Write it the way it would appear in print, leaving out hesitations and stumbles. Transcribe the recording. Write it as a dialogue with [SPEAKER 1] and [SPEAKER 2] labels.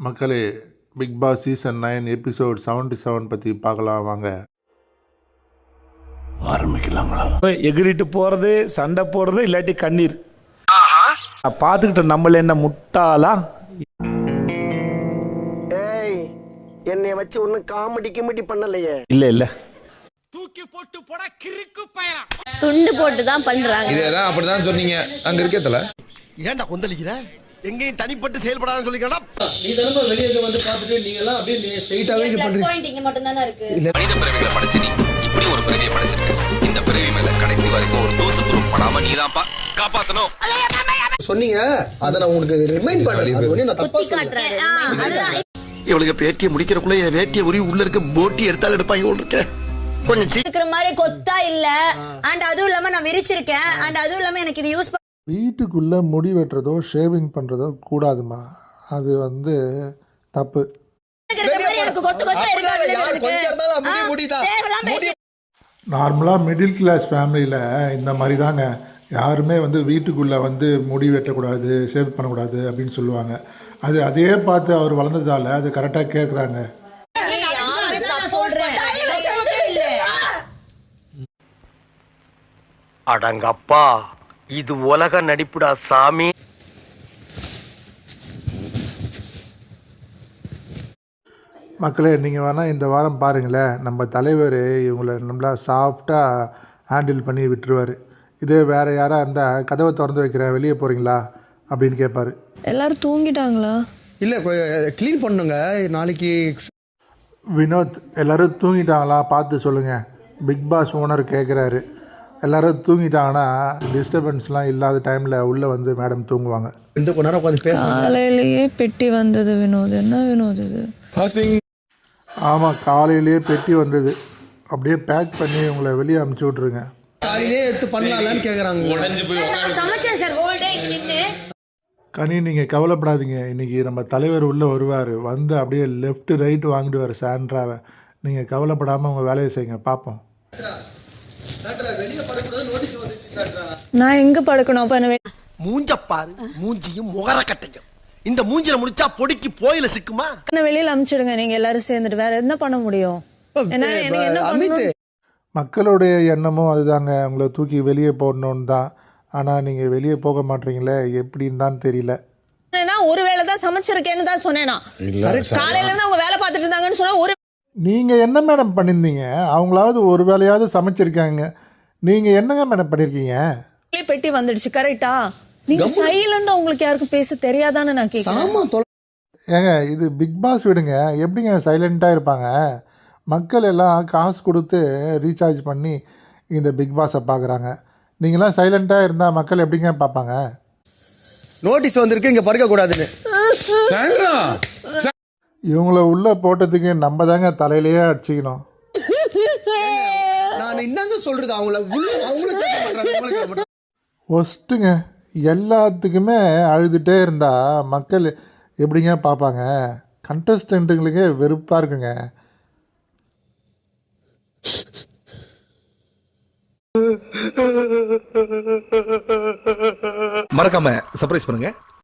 [SPEAKER 1] மக்களே, big Boss season 9 episode 77 பற்றி பார்க்கலாம் வாங்க. ஆரம்பிக்கலாங்களா?
[SPEAKER 2] எகிரிட்டு போறது, சண்டை போடுறது, இல்லாட்டி கண்ணீர். பார்த்துக்கிட்ட நம்மள என்ன முட்டாளா?
[SPEAKER 3] ஏய், என்னைய வச்சு ஒன்னும் காமெடி கிமெடி பண்ணலையே.
[SPEAKER 2] இல்ல
[SPEAKER 4] தூக்கி போட்டு போட கிறுக்கு பயலா
[SPEAKER 5] துண்டு போட்டு தான் பண்றாங்க.
[SPEAKER 6] இதேதான் அப்படிதான் சொன்னீங்க அங்க இருக்கேதல.
[SPEAKER 3] ஏன்டா கொந்தளிக்கிற? எங்கேயும் தனிப்பட்டு செயல்படாதுன்னு சொல்லிக்கடா.
[SPEAKER 7] நீ தானே வெளியே வந்து பார்த்துட்டு நீங்க எல்லாம் அப்படியே ஸ்ட்ரைட்டாவே பண்றீங்க.
[SPEAKER 5] பாயிண்ட் இங்க மட்டும் தானே இருக்கு.
[SPEAKER 8] மனித பிறவிகளை படைச்சு நீ இப்படி ஒரு பிறவியை படைச்சிருக்க. இந்த பிறவி மேல கடைசி வரைக்கும் ஒரு தூசு துரும் படாம நீதான்ப்பா காப்பாத்தணும்
[SPEAKER 7] சொன்னீங்க. அத நான் உங்களுக்கு ரிமைண்ட் பண்றேன். அது ஒண்ணு நான் தப்பா
[SPEAKER 5] காட்டுறாரு.
[SPEAKER 3] இவளுக்கு பேட்டியை முடிக்கிறக்குள்ள என் வேட்டியை உரி உள்ள இருக்க போட்டி எடுத்தாலும் எடுப்பாங்க உள்ள இருக்க. கொஞ்சம்
[SPEAKER 5] இருக்கிற மாதிரி கொத்தா இல்ல. அண்ட் அதுவும் இல்லாம நான் விரிச்சிருக்கேன். அண்ட் அதுவும் இல்லாம எனக்கு இது யூஸ்
[SPEAKER 9] வீட்டுக்குள்ளே முடி வெட்டுறதோ ஷேவிங் பண்ணுறதோ கூடாதுமா. அது தப்பு. நார்மலாக மிடில் கிளாஸ் ஃபேமிலியில் இந்த மாதிரி தாங்க. யாருமே வீட்டுக்குள்ளே முடி வெட்டக்கூடாது, ஷேவ் பண்ணக்கூடாது அப்படின்னு சொல்லுவாங்க. அதே பார்த்து அவர் வளர்ந்ததால் அது கரெக்டாக கேட்குறாங்க.
[SPEAKER 3] அடங்கப்பா, இது உலக நடிப்புடா சாமி.
[SPEAKER 9] மக்களே, நீங்கள் வேணால் இந்த வாரம் பாருங்களேன், நம்ம தலைவர் இவங்களை நம்மளா சாஃப்டாக ஹேண்டில் பண்ணி விட்டுருவார். இதே வேறு யாராக இருந்தால் கதவை திறந்து வைக்கிறேன், வெளியே போகிறீங்களா அப்படின்னு கேட்பார்.
[SPEAKER 10] எல்லாரும் தூங்கிட்டாங்களா?
[SPEAKER 7] இல்ல க்ளீன் பண்ணுங்க நாளைக்கு.
[SPEAKER 9] வினோத், எல்லோரும் தூங்கிட்டாங்களா பார்த்து சொல்லுங்கள். பிக் பாஸ் ஓனர் கேட்குறாரு. எல்லோரும் தூங்கிட்டாங்கன்னா டிஸ்டர்பன்ஸ்லாம் இல்லாத டைமில் உள்ளே மேடம் தூங்குவாங்க.
[SPEAKER 7] இந்த கொஞ்ச நேரம் உட்காந்து பேச.
[SPEAKER 10] காலையிலேயே பெட்டி வந்தது வினோத். என்ன வினோத் இது?
[SPEAKER 9] ஆமாம், காலையிலேயே பெட்டி வந்தது. அப்படியே பேக் பண்ணி உங்களை வெளியே அனுப்பிச்சி விட்ருங்க.
[SPEAKER 7] காலையிலே எடுத்து பண்ணலாம்னு கேட்குறாங்க.
[SPEAKER 9] கனி, நீங்கள் கவலைப்படாதீங்க. இன்றைக்கி நம்ம தலைவர் உள்ளே வருவார். அப்படியே லெஃப்ட் ரைட்டு வாங்கிடுவார் சாண்ட்ராவை. நீங்கள் கவலைப்படாமல் உங்கள் வேலையை செய்யுங்க, பார்ப்போம்.
[SPEAKER 10] நான் எங்க படுக்கணும்? அப்ப என்ன
[SPEAKER 3] மூஞ்சப்பாரு, மூஞ்சியும் முகர கட்டையும். இந்த மூஞ்சில முடிச்சா பொடிக்கு போயில சிக்குமா?
[SPEAKER 10] என்ன வெளியில அனுப்பிச்சிடுங்க. நீங்க எல்லாரும் சேர்ந்துட்டு வேற என்ன பண்ண முடியும்?
[SPEAKER 9] மக்களுடைய எண்ணமும் அதுதாங்க, உங்களை தூக்கி வெளியே போடணுன்னு தான். ஆனால் நீங்கள் வெளியே போக மாட்டீங்களே, எப்படின்னு தான் தெரியல.
[SPEAKER 10] ஒரு வேளை தான் சமைச்சிருக்கேன்னு தான் சொன்னேனா? காலையில இருந்து அவங்க வேலை பார்த்துட்டு இருந்தாங்கன்னு சொன்னா ஒரு
[SPEAKER 9] நீங்கள் என்ன மேடம் பண்ணியிருந்தீங்க? அவங்களாவது ஒரு வேலையாவது சமைச்சிருக்காங்க. நீங்கள் என்னங்க மேடம் பண்ணியிருக்கீங்க?
[SPEAKER 10] பெட்டி வந்துடுச்சு, கரெக்டா? நீங்க சைலண்டா உங்களுக்கு யாருக்கும் பேச தெரியாதான்னு நான் கேட்குறேன்.
[SPEAKER 9] ஏங்க, இது பிக் பாஸ் விடுங்க. எப்படிங்க சைலண்ட்டாக இருப்பாங்க? மக்கள் எல்லாம் காசு கொடுத்து ரீசார்ஜ் பண்ணி இந்த பிக் பாஸை பார்க்குறாங்க. நீங்களாம் சைலண்ட்டாக இருந்தால் மக்கள் எப்படிங்க பார்ப்பாங்க?
[SPEAKER 7] நோட்டீஸ் வந்திருக்கு, இங்கே படுக்கக்கூடாதுன்னு.
[SPEAKER 9] இவங்கள உள்ளே போட்டதுக்கு நம்ம தாங்க தலையிலேயே அடிச்சிக்கணும்.
[SPEAKER 7] நான் என்னங்க சொல்கிறது? அவங்கள
[SPEAKER 9] ஒஸ்ட்டுங்க. எல்லாத்துக்குமே அழுதுகிட்டே இருந்தால் மக்கள் எப்படிங்க பார்ப்பாங்க? கண்டஸ்டண்ட்டுங்களுக்கே வெறுப்பாக இருக்குங்க.
[SPEAKER 6] மறக்காம சர்ப்ரைஸ் பண்ணுங்க.